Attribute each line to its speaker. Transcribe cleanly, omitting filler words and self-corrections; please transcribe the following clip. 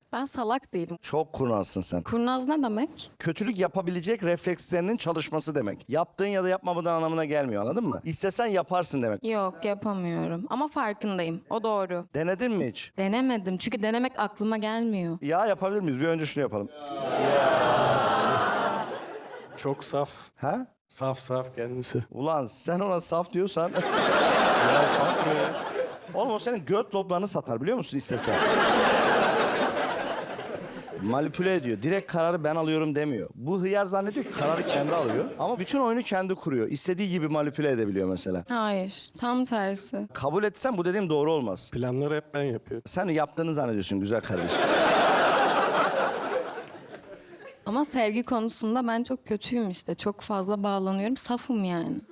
Speaker 1: Ben salak değilim.
Speaker 2: Çok kurnazsın sen.
Speaker 1: Kurnaz ne demek?
Speaker 2: Kötülük yapabilecek reflekslerinin çalışması demek. Yaptığın ya da yapmamadığın anlamına gelmiyor, anladın mı? İstesen yaparsın demek.
Speaker 1: Yok, yapamıyorum. Ama farkındayım. O doğru.
Speaker 2: Denedin mi hiç?
Speaker 1: Denemedim. Çünkü denemek aklıma gelmiyor.
Speaker 2: Ya yapabilir miyiz? Bir önce şunu yapalım.
Speaker 3: Çok saf.
Speaker 2: Ha?
Speaker 3: Saf kendisi.
Speaker 2: Ulan sen ona saf diyorsan...
Speaker 3: Ya saf mı ya?
Speaker 2: Oğlum o senin göt loblarını satar biliyor musun istesen? Manipüle ediyor. Direkt kararı ben alıyorum demiyor. Bu hıyar zannediyor ki kararı kendi alıyor. Ama bütün oyunu kendi kuruyor. İstediği gibi manipüle edebiliyor mesela.
Speaker 1: Hayır. Tam tersi.
Speaker 2: Kabul etsen bu dediğim doğru olmaz.
Speaker 3: Planları hep ben yapıyorum.
Speaker 2: Sen yaptığını zannediyorsun güzel kardeşim.
Speaker 1: Ama sevgi konusunda ben çok kötüyüm işte. Çok fazla bağlanıyorum. Safım yani.